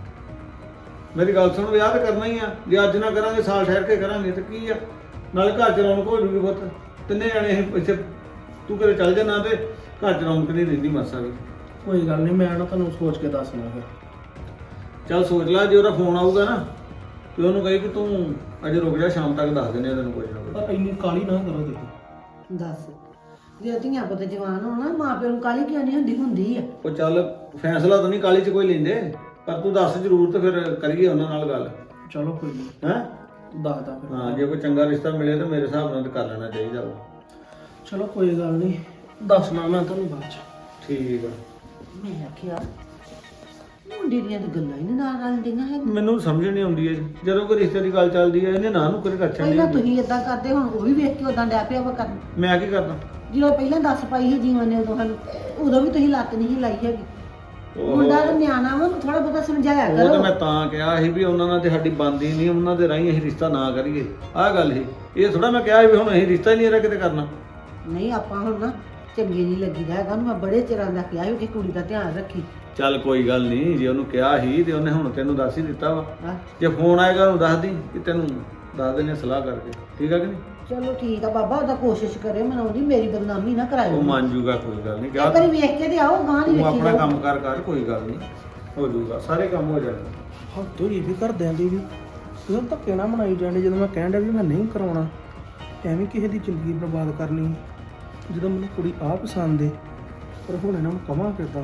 Speaker 2: ਮੇਰੀ ਗੱਲ ਸੁਣ, ਵਿਆਹ ਤਾਂ ਕਰਨਾ ਹੀ ਆ। ਜੇ ਅੱਜ ਨਾ ਕਰਾਂਗੇ ਸਾਲ ਠਹਿਰ ਕੇ ਕਰਾਂਗੇ ਤੇ ਕੀ ਆ, ਨਾਲੇ ਘਰ ਚ ਰੌਣਕ ਹੋ ਜੂਗੀ ਪੁੱਤ। ਤਿੰਨੇ ਜਾਣੇ ਅਸੀਂ ਇੱਥੇ, ਤੂੰ ਕਦੇ ਚੱਲ ਜਾਣਾ ਤੇ ਘਰ ਚ ਰੌਣਕ ਨਹੀਂ ਰਹਿੰਦੀ ਮਾਸਾ ਵੀ।
Speaker 1: ਕੋਈ ਗੱਲ ਨਹੀਂ, ਮੈਂ ਨਾ ਤੁਹਾਨੂੰ ਸੋਚ ਕੇ ਦੱਸਣਾ ਫਿਰ।
Speaker 2: ਚੱਲ ਸੋਚ ਲੈ, ਜੇ ਉਹਦਾ ਫੋਨ ਆਊਗਾ ਨਾ ਤੇ ਉਹਨੂੰ ਕਹੀ ਕਿ ਤੂੰ ਅਜੇ ਰੁਕ ਜਾ, ਸ਼ਾਮ ਤੱਕ ਦੱਸ ਦਿੰਦੇ ਆ ਤੈਨੂੰ ਕੁਝ ਨਾ ਕੁਝ।
Speaker 1: ਪਰ ਇੰਨੀ ਕਾਲੀ ਨਾ ਕਰੋ ਦੇਖੋ।
Speaker 5: ਦੱਸ ਜੇ ਧੀਆਂ ਪੁੱਤ ਜਵਾਨ ਹੋਣਾ, ਮਾਂ ਪਿਓ ਨੂੰ ਕਾਹਲੀ ਕਿਉਂ ਨਹੀਂ ਹੁੰਦੀ? ਹੁੰਦੀ ਆ।
Speaker 2: ਉਹ ਚੱਲ ਫੈਸਲਾ ਤਾਂ ਨਹੀਂ ਕਾਲੀ ਚ ਕੋਈ ਲੈਂਦੇ, ਪਰ ਤੂੰ ਦੱਸ ਜ਼ਰੂਰ ਤੇ ਫਿਰ ਕਰੀਏ ਉਹਨਾਂ ਨਾਲ ਗੱਲ।
Speaker 1: ਚਲੋ ਕੋਈ ਨਹੀਂ,
Speaker 2: ਹੈਂ?
Speaker 1: ਦੱਸਦਾ ਫਿਰ।
Speaker 2: ਹਾਂ, ਜੇ ਕੋਈ ਚੰਗਾ ਰਿਸ਼ਤਾ ਮਿਲੇ ਤਾਂ ਮੇਰੇ ਹਿਸਾਬ ਨਾਲ ਤਾਂ ਕਰ ਲੈਣਾ ਚਾਹੀਦਾ ਵਾ।
Speaker 1: ਚਲੋ ਕੋਈ ਗੱਲ ਨਹੀਂ, ਦੱਸਣਾ ਮੈਂ ਤੁਹਾਨੂੰ ਬਾਅਦ ਚ।
Speaker 2: ਠੀਕ ਆ।
Speaker 5: ਮੈਂ ਆਖਿਆ ਮੁੰਡੇ ਦੀਆਂ ਤਾਂ ਗੱਲਾਂ ਹੀ ਨਹੀਂ ਨਾਲ ਰਲਦੀਆਂ ਹੈਗੀਆਂ।
Speaker 2: ਮੈਨੂੰ ਸਮਝ ਨਹੀਂ ਆਉਂਦੀ ਹੈ ਜਦੋਂ ਕੋਈ ਰਿਸ਼ਤੇ ਦੀ ਗੱਲ ਚੱਲਦੀ ਹੈ, ਇਹਨੇ ਨਾ ਨੂੰ ਕਰੇ ਕੱਛਣ
Speaker 5: ਪਹਿਲਾਂ
Speaker 2: ਨਹੀਂ।
Speaker 5: ਤੁਸੀਂ ਇਦਾਂ ਕਰਦੇ, ਹੁਣ ਉਹ ਵੀ ਵੇਖ ਕੇ ਉਦਾਂ ਡੈ ਪਿਆ ਵਾ ਕਰਨ।
Speaker 2: ਮੈਂ ਕੀ ਕਰਦਾ?
Speaker 5: ਜਦੋਂ ਪਹਿਲਾਂ ਦੱਸ ਪਾਈ ਸੀ ਜੀਵਨ ਨੇ ਉਦੋਂ ਸਾਨੂੰ, ਉਦੋਂ ਵੀ ਤੁਸੀਂ ਲੱਤ ਨਹੀਂ ਸੀ ਲਾਈ ਹੈਗੀ।
Speaker 2: ਉਹ
Speaker 5: ਮੁੰਡਾ ਤਾਂ ਨਿਆਣਾ ਵਾ, ਥੋੜਾ ਬਹੁਤਾ ਸਮਝਾਇਆ
Speaker 2: ਤਾਂ
Speaker 5: ਕਰੋ।
Speaker 2: ਮੈਂ ਤਾਂ ਕਿਹਾ ਸੀ ਵੀ ਉਹਨਾਂ ਨਾਲ ਤੇ ਸਾਡੀ ਬਣਦੀ ਨਹੀਂ, ਉਹਨਾਂ ਦੇ ਰਾਹੀਂ ਅਸੀਂ ਰਿਸ਼ਤਾ ਨਾ ਕਰੀਏ। ਆਹ ਗੱਲ ਸੀ। ਇਹ ਥੋੜਾ ਮੈਂ ਕਿਹਾ ਵੀ ਹੁਣ ਅਸੀਂ ਰਿਸ਼ਤਾ ਹੀ ਨਹੀਂ ਇਹਦਾ ਕਿਤੇ ਕਰਨਾ।
Speaker 5: ਨਹੀਂ ਆਪਾਂ ਹੁਣ ਨਾ ਚੰਗੇ ਨਹੀਂ ਲੱਗੀਦਾ ਹੈਗਾ ਉਹਨੂੰ। ਮੈਂ ਬੜੇ ਚਿਰਾਂ ਦਾ ਕਿਹਾ ਸੀ ਕਿ ਕੁੜੀ ਦਾ ਧਿਆਨ ਰੱਖੀ।
Speaker 2: ਚੱਲ ਕੋਈ ਗੱਲ ਨਹੀਂ, ਜੇ ਉਹਨੂੰ ਕਿਹਾ ਸੀ ਤੇ ਉਹਨੇ ਹੁਣ ਤੈਨੂੰ ਦੱਸ ਹੀ ਦਿੱਤਾ ਵਾ।
Speaker 5: ਹਾਂ
Speaker 2: ਜੇ ਫੋਨ ਆਏਗਾ ਉਹਨੂੰ ਦੱਸ ਦੀ ਕਿ ਤੈਨੂੰ ਦੱਸ ਦਿੰਦੇ ਸਲਾਹ ਕਰਕੇ। ਠੀਕ ਆ ਕਿ ਨਹੀਂ?
Speaker 5: ਚਲੋ ਠੀਕ ਆ ਬਾਬਾ, ਉਹਦਾ ਕੋਸ਼ਿਸ਼ ਕਰਿਓ ਮਨਾਉਣ ਦੀ, ਮੇਰੀ ਬਦਨਾਮੀ ਨਾ ਕਰਾਇਓ।
Speaker 2: ਉਹ ਮੰਨ ਜੂਗਾ, ਕੋਈ ਗੱਲ ਨਹੀਂ।
Speaker 5: ਇੱਕ ਵਾਰੀ ਵੇਖ ਕੇ ਤੇ ਆਓ, ਗਾਂ ਨਹੀਂ
Speaker 2: ਤੂੰ
Speaker 5: ਵੇਖੀ
Speaker 2: ਆਪਣਾ
Speaker 5: ਜਾਓ।
Speaker 2: ਕੰਮ ਕਰ, ਕੋਈ ਗੱਲ ਨਹੀਂ, ਹੋ ਜੂਗਾ, ਸਾਰੇ ਕੰਮ ਹੋ ਜਾਣਗੇ।
Speaker 1: ਹੱਦੋਂ ਇਹ ਵੀ ਘਰਦਿਆਂ ਦੀ ਵੀ ਤੁਸੀਂ ਧੱਕੇ ਨਾ ਬਣਾਈ ਜਾਂਦੇ। ਜਦੋਂ ਮੈਂ ਕਹਿਣ ਡਿਆ ਵੀ ਮੈਂ ਨਹੀਂ ਕਰਾਉਣਾ, ਐਵੇਂ ਕਿਸੇ ਦੀ ਜ਼ਿੰਦਗੀ ਬਰਬਾਦ ਕਰਨੀ। ਜਦੋਂ ਮੈਨੂੰ ਕੁੜੀ ਆ ਪਸੰਦ ਏ, ਪਰ ਹੁਣ ਇਹਨਾਂ ਨੂੰ ਕਵਾਂ ਕਿੱਦਾਂ?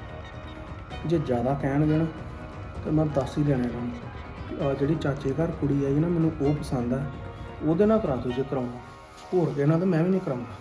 Speaker 1: ਜੇ ਜ਼ਿਆਦਾ ਕਹਿਣਗੇ ਨਾ ਤਾਂ ਮੈਂ ਦੱਸ ਹੀ ਦੇਣਾ ਇਹਨਾਂ ਨੂੰ। ਆ ਜਿਹੜੀ ਚਾਚੇ ਘਰ ਕੁੜੀ ਆਈ ਨਾ, ਮੈਨੂੰ ਉਹ ਪਸੰਦ ਆ, ਉਹਦੇ ਨਾਲ ਕਰਾ ਦਿਓ ਜੇ ਕਰਾਉਣਾ। ਹੋਰ ਕਿਸੇ ਨਾਲ ਤਾਂ ਮੈਂ ਵੀ ਨਹੀਂ ਕਰਾਉਣਾ।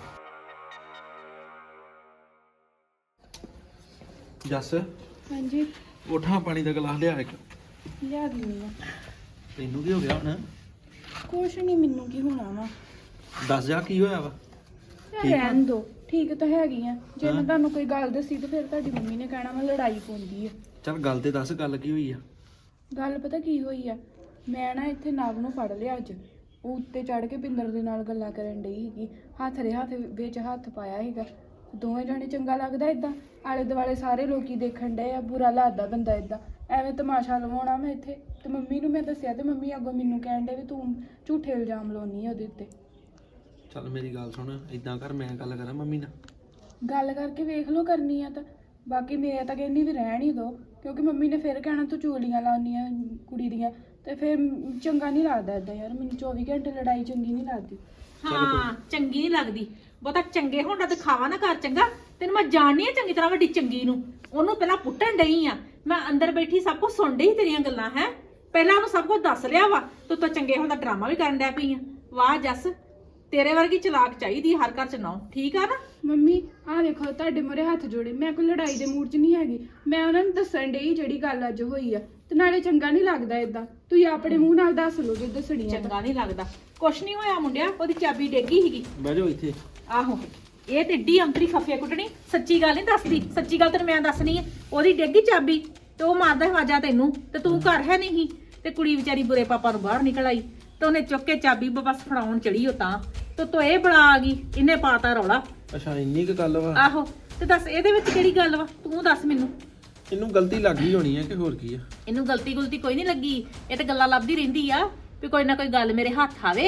Speaker 1: ਜੱਸ,
Speaker 6: ਹਾਂਜੀ
Speaker 1: ਉਠਾਂ ਪਾਣੀ ਦਾ ਗਲਾਸ ਲਿਆ ਇੱਕ।
Speaker 6: ਲਿਆ ਦਿੰਦੀ ਆ।
Speaker 1: ਤੈਨੂੰ ਕੀ ਹੋ ਗਿਆ ਹੁਣ?
Speaker 6: ਕੁਛ ਨਹੀਂ, ਮੈਨੂੰ ਕੀ ਹੋਣਾ ਵਾ।
Speaker 1: ਦੱਸ ਜਾ ਕੀ ਹੋਇਆ ਵਾ।
Speaker 6: ਰਹਿਣ ਦੋ, ਠੀਕ ਤਾਂ ਹੈਗੀ ਆ। ਜੇ ਮੈਂ ਤੁਹਾਨੂੰ ਕੋਈ ਗੱਲ ਦੱਸੀ ਤਾਂ ਫਿਰ ਤੁਹਾਡੀ ਮੰਮੀ ਨੇ ਕਹਿਣਾ ਮੈਂ ਲੜਾਈ ਪਾਉਂਦੀ ਆ।
Speaker 1: ਚੱਲ ਗੱਲ ਤੇ ਦੱਸ, ਗੱਲ ਕੀ ਹੋਈ ਆ?
Speaker 6: ਗੱਲ ਪਤਾ ਕੀ ਹੋਈ ਆ, ਮੈਂ ਨਾ ਇੱਥੇ ਨਵ ਨੂੰ ਫੜ ਲਿਆ ਅੱਜ। ਉਹ ਉੱਤੇ ਚੜ ਕੇ ਪਿੰਦਰ ਦੇ ਨਾਲ ਗੱਲਾਂ ਕਰਨ ਡਈ ਸੀਗੀ, ਹੱਥ ਦੇ ਹੱਥ ਵਿੱਚ ਹੱਥ ਪਾਇਆ ਸੀਗਾ। ਦੋਵੇਂ ਜਾਣੇ ਚੰਗਾ ਲੱਗਦਾ ਇਦਾਂ, ਆਲੇ ਦੁਆਲੇ ਸਾਰੇ ਲੋਕੀ ਦੇਖਣ ਡਏ ਆ, ਬੁਰਾ ਲੱਗਦਾ ਬੰਦਾ ਇਦਾਂ। ਐਵੇਂ ਤਮਾਸ਼ਾ ਲਵਾਉਣਾ ਮੈਂ ਇੱਥੇ। ਤੇ ਮੰਮੀ ਨੂੰ ਮੈਂ ਦੱਸਿਆ ਤੇ ਮੰਮੀ ਅੱਗੋਂ ਮੈਨੂੰ ਕਹਿਣ ਡੇ ਵੀ ਤੂੰ ਝੂਠੇ ਇਲਜ਼ਾਮ ਲਾਉਣੀ ਆ ਉਹਦੇ ਉੱਤੇ।
Speaker 1: ਚੱਲ ਮੇਰੀ ਗੱਲ ਸੁਣ, ਇਦਾਂ ਕਰ, ਮੈਂ ਗੱਲ ਕਰਾਂ ਮੰਮੀ ਨਾਲ।
Speaker 6: ਗੱਲ ਕਰਕੇ ਵੇਖ ਲਓ ਕਰਨੀ ਆ ਤਾਂ। ਬਾਕੀ ਮੈਂ ਤਾਂ ਕਹਿੰਦੀ ਵੀ ਰਹਿਣ ਹੀ ਦੋ, ਕਿਉਂਕਿ ਮੰਮੀ ਨੇ ਫਿਰ ਕਹਿਣਾ ਤੂੰ ਚੋਲੀਆਂ ਲਾਉਣੀਆਂ ਕੁੜੀ ਦੀਆਂ, ਤੇ ਫਿਰ ਚੰਗਾ ਨਹੀਂ ਲੱਗਦਾ ਇਦਾਂ ਯਾਰ। ਮੈਨੂੰ 24 ਘੰਟੇ ਲੜਾਈ ਚੰਗੀ ਨਹੀਂ ਲੱਗਦੀ।
Speaker 3: ਹਾਂ, ਚੰਗੀ ਨਹੀਂ ਲੱਗਦੀ। ਬਹੁਤਾ ਚੰਗੇ ਹੋਣ ਦਾ ਦਿਖਾਵਾ ਨਾ ਕਰ ਚੰਗਾ। ਤੈਨੂੰ ਮੈਂ ਜਾਣਨੀ ਆ ਚੰਗੀ ਤਰ੍ਹਾਂ ਵੱਡੀ ਚੰਗੀ ਨੂੰ। ਉਹਨੂੰ ਪਹਿਲਾਂ ਪੁੱਟਣ ਡਈ ਆ ਮੈਂ, ਅੰਦਰ ਬੈਠੀ ਸਭ ਕੁਝ ਸੁਣ ਡਈ ਤੇਰੀਆਂ ਗੱਲਾਂ। ਹੈ ਪਹਿਲਾਂ ਉਹਨੂੰ ਸਭ ਕੁਝ ਦੱਸ ਲਿਆ ਵਾ, ਤੂੰ ਤਾਂ ਚੰਗੇ ਹੋਣ ਦਾ ਡਰਾਮਾ ਵੀ ਕਰਨ ਡੈ ਪਈ ਆ। ਵਾਹ ਜੱਸ, ਤੇਰੇ ਵਰਗੀ ਚਲਾਕ ਚਾਹੀਦੀ ਹਰ ਘਰ ਚ ਨਾ। ਠੀਕ ਆ ਨਾ?
Speaker 6: ਮੰਮੀ ਆਹ ਵੇਖੋ, ਤੁਹਾਡੇ ਮੂਹਰੇ ਹੱਥ ਜੋੜੇ, ਮੈਂ ਕੋਈ ਲੜਾਈ ਦੇ ਮੂਡ 'ਚ ਨਹੀਂ ਹੈਗੀ। ਮੈਂ ਉਹਨਾਂ ਨੂੰ ਦੱਸਣ ਡਈ ਜਿਹੜੀ ਗੱਲ ਅੱਜ ਹੋਈ ਆ, ਤੇ ਨਾਲੇ ਚੰਗਾ ਨਹੀਂ ਲੱਗਦਾ ਇਦਾਂ। ਤੁਸੀਂ ਆਪਣੇ ਮੂੰਹ ਨਾਲ ਦੱਸ ਲਓ ਜੇ ਦੱਸਣੀ ਆ।
Speaker 3: ਚੰਗਾ ਨਹੀਂ ਲੱਗਦਾ। ਕੁਛ ਨਹੀਂ ਹੋਇਆ ਮੁੰਡਿਆ, ਉਹਦੀ ਚਾਬੀ ਡੇਗੀ ਸੀਗੀ।
Speaker 1: ਬਹਿ ਜਾਓ ਇੱਥੇ।
Speaker 3: ਆਹੋ, ਇਹ ਤੇ ਏਡੀ ਅੰਤਰੀ ਖਫੇ ਕੁੱਟਣੀ। ਸੱਚੀ ਗੱਲ ਨਹੀਂ ਦੱਸਦੀ, ਸੱਚੀ ਗੱਲ ਤੈਨੂੰ ਮੈਂ ਦੱਸਣੀ ਆ। ਉਹਦੀ ਡੇਗੀ ਚਾਬੀ ਤੇ ਉਹ ਮਾਰਦਾ ਹਵਾਜਾ ਤੈਨੂੰ, ਤੇ ਤੂੰ ਘਰ ਹੈ ਨਹੀਂ। ਤੇ ਕੁੜੀ ਵਿਚਾਰੀ ਬੁਰੇ ਪਾਪਾ ਨੂੰ ਬਾਹਰ ਨਿਕਲ ਆਈ, ਤੇ ਉਹਨੇ ਚੁੱਕ ਕੇ ਚਾਬੀ ਬਸ ਫੜਾਉਣ ਚੜੀ। ਉਹ ਤਾਂ ਇਹ ਬੜਾ ਆ ਗਈ, ਇਹਨੇ ਪਾਤਾ ਰੌਲਾ।
Speaker 1: ਅੱਛਾ, ਇੰਨੀ ਕੁ ਗੱਲ ਵਾ?
Speaker 3: ਆਹੋ, ਤੇ ਦੱਸ ਇਹਦੇ ਵਿੱਚ ਕਿਹੜੀ ਗੱਲ ਵਾ? ਤੂੰ ਦੱਸ ਮੈਨੂੰ।
Speaker 1: ਇਹਨੂੰ ਗਲਤੀ ਲੱਗ ਗਈ ਹੋਣੀ ਹੈ ਕਿ ਹੋਰ ਕੀ ਆ?
Speaker 3: ਇਹਨੂੰ ਗਲਤੀ ਕੋਈ ਨਹੀਂ ਲੱਗੀ। ਇਹ ਤੇ ਗੱਲਾਂ ਲੱਭਦੀ ਰਹਿੰਦੀ ਆ ਵੀ ਕੋਈ ਨਾ ਕੋਈ ਗੱਲ ਮੇਰੇ ਹੱਥ ਆਵੇ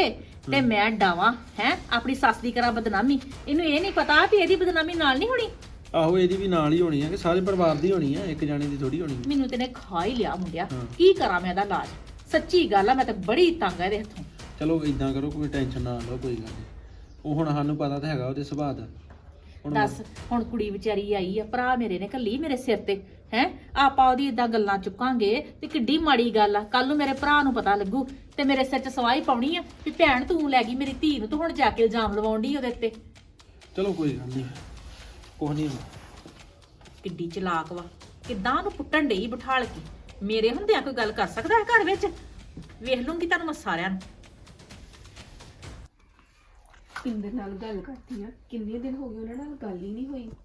Speaker 3: ਤੇ ਮੈਂ ਡਾਵਾਂ ਹੈ ਆਪਣੀ ਸੱਸ ਦੀ ਕਰਾਂ ਬਦਨਾਮੀ। ਇਹਨੂੰ ਇਹ ਨਹੀਂ ਪਤਾ ਵੀ ਇਹਦੀ ਬਦਨਾਮੀ ਨਾਲ ਨਹੀਂ ਹੋਣੀ।
Speaker 2: ਆਹੋ ਇਹਦੀ ਵੀ ਨਾਲ ਹੀ ਹੋਣੀ ਆ ਕਿ ਸਾਰੇ ਪਰਿਵਾਰ ਦੀ ਹੋਣੀ ਆ, ਇੱਕ ਜਾਣੇ ਦੀ ਥੋੜੀ ਹੋਣੀ।
Speaker 3: ਮੈਨੂੰ ਤੇ ਨੇ ਖਾ ਹੀ ਲਿਆ ਮੁੰਡਿਆ।
Speaker 2: ਹਾਂ।
Speaker 3: ਕੀ ਕਰਾਂ ਮੈਂ ਇਹਦਾ ਇਲਾਜ? ਸੱਚੀ ਗੱਲ ਆ, ਮੈਂ ਤਾਂ ਬੜੀ ਤੰਗ ਆ ਇਹਦੇ ਹੱਥੋਂ।
Speaker 2: ਚਲੋ ਇਦਾਂ ਕਰੋ, ਕੋਈ ਟੈਨਸ਼ਨ ਨਾ ਲਓ, ਕੋਈ ਗੱਲ ਨਹੀਂ। ਉਹ ਹੁਣ ਸਾਨੂੰ ਪਤਾ ਤਾਂ ਹੈਗਾ ਉਹਦੇ ਸੁਭਾਅ ਦਾ। ਹੁਣ
Speaker 3: ਦੱਸ ਹੁਣ ਕੁੜੀ ਵਿਚਾਰੀ ਆਈ ਆ, ਭਰਾ ਮੇਰੇ ਨੇ ਕੱਲੀ ਮੇਰੇ ਸਿਰ ਤੇ ਹੈ। ਆਪਾਂ ਉਹਦੀ ਇਦਾਂ ਗੱਲਾਂ ਚੁੱਕਾਂਗੇ ਤੇ ਕਿੱਡੀ ਮਾੜੀ ਗੱਲ ਆ। ਕੱਲ ਨੂੰ ਮੇਰੇ ਭਰਾ ਨੂੰ ਪਤਾ ਲੱਗੂ ਤੇ ਮੇਰੇ ਸਿਰ 'ਚ ਸਵਾਹੀ ਪਾਉਣੀ ਆ ਵੀ ਭੈਣ ਤੂੰ ਲੈ ਗਈ ਮੇਰੀ ਧੀ ਨੂੰ, ਤੂੰ ਹੁਣ ਜਾ ਕੇ ਇਲਜ਼ਾਮ ਲਵਾਉਣ ਡਈ ਉਹਦੇ ਉੱਤੇ।
Speaker 2: ਚਲੋ ਕੋਈ ਗੱਲ ਨਹੀਂ, ਕੁਛ ਨਹੀਂ।
Speaker 3: ਕਿੱਡੀ ਚਲਾਕ ਵਾ, ਕਿੱਦਾਂ ਉਹਨੂੰ ਪੁੱਟਣ ਡਈ ਬਿਠਾਲ ਕੇ। ਮੇਰੇ ਹੁੰਦਿਆਂ ਕੋਈ ਗੱਲ ਕਰ ਸਕਦਾ ਹੈ ਘਰ ਵਿੱਚ? ਵੇਖ ਲੂੰਗੀ ਤੁਹਾਨੂੰ ਮੈਂ ਸਾਰਿਆਂ ਨੂੰ।
Speaker 4: ਪਿੰਦਰ ਨਾਲ ਗੱਲ ਕਰਦੀ ਆ, ਕਿੰਨੇ ਦਿਨ ਹੋ ਗਏ ਉਹਨਾਂ ਨਾਲ ਗੱਲ ਹੀ ਨਹੀਂ ਹੋਈ।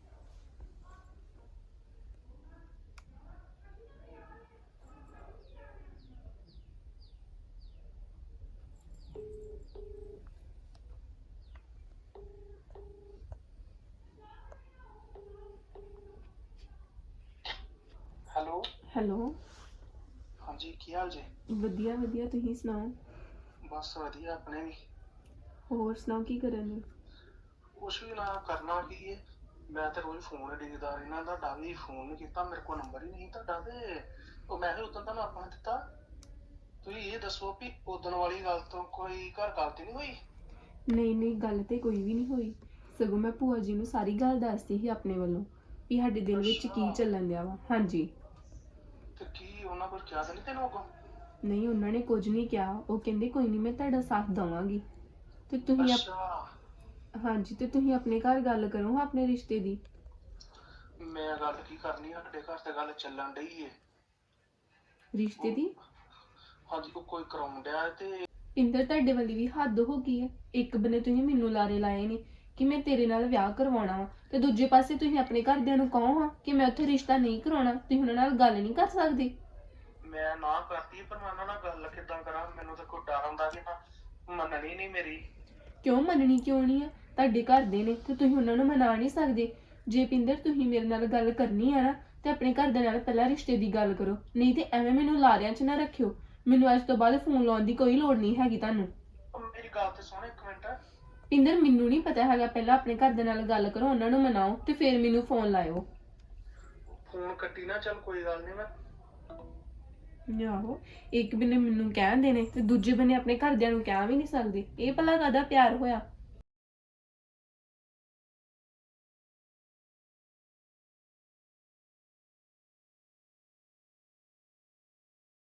Speaker 1: ਹੈਲੋ
Speaker 4: ਹੈਲੋ,
Speaker 1: ਹਾਂਜੀ ਕੀ ਹਾਲ ਜੀ?
Speaker 4: ਵਧੀਆ ਵਧੀਆ, ਤੁਸੀਂ ਸੁਣਾਓ?
Speaker 1: ਬਸ ਵਧੀਆ ਆਪਣੇ ਵੀ।
Speaker 4: ਹੋਰ ਸੁਣਾਓ ਕੀ ਕਰਨ ਨੂੰ?
Speaker 1: ਕੁਛ ਵੀ ਨਾ ਕਰਨਾ ਕੀ ਹੈ, ਮੈਂ ਤੇ ਰੋਜ਼ ਫੋਨ ਡਿੱਗਦਾ ਇਹਨਾਂ ਦਾ, ਤੁਹਾਡਾ ਵੀ ਫੋਨ ਨਹੀਂ ਕੀਤਾ, ਮੇਰੇ ਕੋਲ ਨੰਬਰ ਹੀ ਨਹੀਂ ਤੁਹਾਡਾ। ਤੇ ਉਹ ਮੈਂ ਵੀ ਉਦੋਂ ਤੁਹਾਨੂੰ ਆਪਣਾ ਦਿੱਤਾ। ਤੁਸੀਂ ਇਹ ਦੱਸੋ ਵੀ ਉਦਣ ਵਾਲੀ ਗੱਲ ਤੋਂ ਕੋਈ ਘਰ ਗੱਲ ਤੇ ਨਹੀਂ ਹੋਈ?
Speaker 4: ਨਹੀਂ ਨਹੀਂ, ਗੱਲ ਤੇ ਕੋਈ ਵੀ ਨਹੀਂ ਹੋਈ। ਸਗੋਂ ਮੈਂ ਭੂਆ ਜੀ ਨੂੰ ਸਾਰੀ ਗੱਲ ਦੱਸਦੀ ਸੀ ਆਪਣੇ ਵੱਲੋਂ ਵੀ ਸਾਡੇ ਦਿਲ ਵਿੱਚ ਕੀ ਚੱਲਣ ਦਿਆ ਵਾ। ਹਾਂਜੀ।
Speaker 1: ਤੇ ਕੀ ਉਹਨਾਂ ਕੋਲ ਕਿਹਾ ਤਾਂ ਨਹੀਂ ਤੈਨੂੰ ਅੱਗੋਂ?
Speaker 4: ਨਹੀਂ, ਉਹਨਾਂ ਨੇ ਕੁਝ ਨਹੀਂ ਕਿਹਾ। ਉਹ ਕਹਿੰਦੇ ਕੋਈ ਨਹੀਂ, ਮੈਂ ਤੁਹਾਡਾ ਸਾਥ ਦਵਾਂਗੀ। ਤੇ ਤੁਸੀਂ
Speaker 1: ਅੱਛਾ,
Speaker 4: ਹਾਂਜੀ, ਤੇ ਤੁਸੀਂ ਆਪਣੇ ਘਰ ਗੱਲ ਕਰੋ ਆਪਣੇ ਰਿਸ਼ਤੇ ਦੀ।
Speaker 1: ਮੈਂ ਗੱਲ ਕੀ ਕਰਨੀ ਆ, ਸਾਡੇ ਘਰ ਤੇ ਗੱਲ ਚੱਲਣ ਡਈ ਏ।
Speaker 4: ਰਿਸ਼ਤੇ ਦੀ?
Speaker 1: ਹਾਂਜੀ, ਉਹ ਕੋਈ ਕਰਾਉਣ ਡਿਆ ਤੇ
Speaker 4: ਪਿੰਦਰ, ਤੁਹਾਡੇ ਵਾਲੀ ਵੀ ਹੱਦ ਹੋ ਗਈ ਹੈ। ਇੱਕ ਬੰਨੇ ਤੁਸੀਂ ਮੈਨੂੰ ਲਾਰੇ ਲਾਏ ਨੇ ਕਿ ਮੈਂ ਤੇਰੇ ਨਾਲ ਵਿਆਹ ਕਰਵਾਉਣਾ ਵਾ, ਤੇ ਦੂਜੇ ਪਾਸੇ ਤੁਸੀਂ ਆਪਣੇ ਘਰਦਿਆਂ ਨੂੰ ਕਹੋ ਹਾਂ ਕਿ ਮੈਂ ਉੱਥੇ ਰਿਸ਼ਤਾ ਨਹੀਂ ਕਰਾਉਣਾ। ਤੁਸੀਂ ਉਹਨਾਂ ਨਾਲ ਗੱਲ ਨਹੀਂ ਕਰ ਸਕਦੇ?
Speaker 1: ਮੈਂ ਨਾ ਕਰਤੀ, ਪਰ ਮੈਂ ਉਹਨਾਂ ਨਾਲ ਗੱਲ ਕਿੱਦਾਂ ਕਰਾਂ? ਮੈਨੂੰ ਤਾਂ ਕੋਈ ਡਰ ਹੁੰਦਾ ਕਿ ਨਾ ਮੰਨਣੀ ਨਹੀਂ ਮੇਰੀ।
Speaker 4: ਕਿਉਂ ਮੰਨਣੀ ਕਿਉਂ ਨਹੀਂ ਆ? ਤੁਹਾਡੇ ਘਰ ਦੇ ਨੇ ਤੇ ਤੁਸੀਂ ਉਹਨਾਂ ਨੂੰ ਮਨਾ ਨਹੀਂ ਸਕਦੇ। ਜੇ ਪਿੰਦਰ ਤੁਸੀਂ ਮੇਰੇ ਨਾਲ ਗੱਲ ਕਰਨੀ ਆ ਨਾ ਤੇ ਆਪਣੇ ਘਰ ਦੇ ਨਾਲ ਪਹਿਲਾਂ ਰਿਸ਼ਤੇ ਦੀ ਗੱਲ ਕਰੋ, ਨਹੀਂ ਤੇ ਐਵੇਂ ਮੈਨੂੰ ਲਾਰਿਆਂ 'ਚ ਨਾ ਰੱਖਿਓ। ਮੈਨੂੰ ਅੱਜ ਤੋਂ ਬਾਅਦ ਫੋਨ ਲਾਉਣ ਦੀ ਕੋਈ ਲੋੜ ਨਹੀਂ ਹੈਗੀ ਤੁਹਾਨੂੰ।
Speaker 1: ਮੇਰੀ ਗੱਲ ਤੇ ਸੁਣ ਇੱਕ ਮਿੰਟ।
Speaker 4: ਪਿੰਦਰ, ਮੈਨੂੰ ਨਹੀਂ ਪਤਾ ਹੈਗਾ, ਪਹਿਲਾਂ ਆਪਣੇ ਘਰ ਦੇ ਨਾਲ ਗੱਲ ਕਰੋ, ਉਹਨਾਂ ਨੂੰ ਮਨਾਓ ਤੇ ਫਿਰ ਮੈਨੂੰ ਫੋਨ ਲਾਇਓ।
Speaker 1: ਫੋਨ ਕੱਟੀ ਨਾ, ਚੱਲ ਕੋਈ ਗੱਲ ਨਹੀਂ। ਮੈਂ
Speaker 4: ਆਹੋ, ਇੱਕ ਬੰਨੇ ਮੈਨੂੰ ਕਹਿਣ ਦੇ ਨੇ ਤੇ ਦੂਜੇ ਬੰਨੇ ਆਪਣੇ ਘਰਦਿਆਂ ਨੂੰ ਕਹਿ ਵੀ ਨਹੀਂ ਸਕਦੇ। ਇਹ ਭਲਾ ਕਾਹਦਾ ਪਿਆਰ ਹੋਇਆ?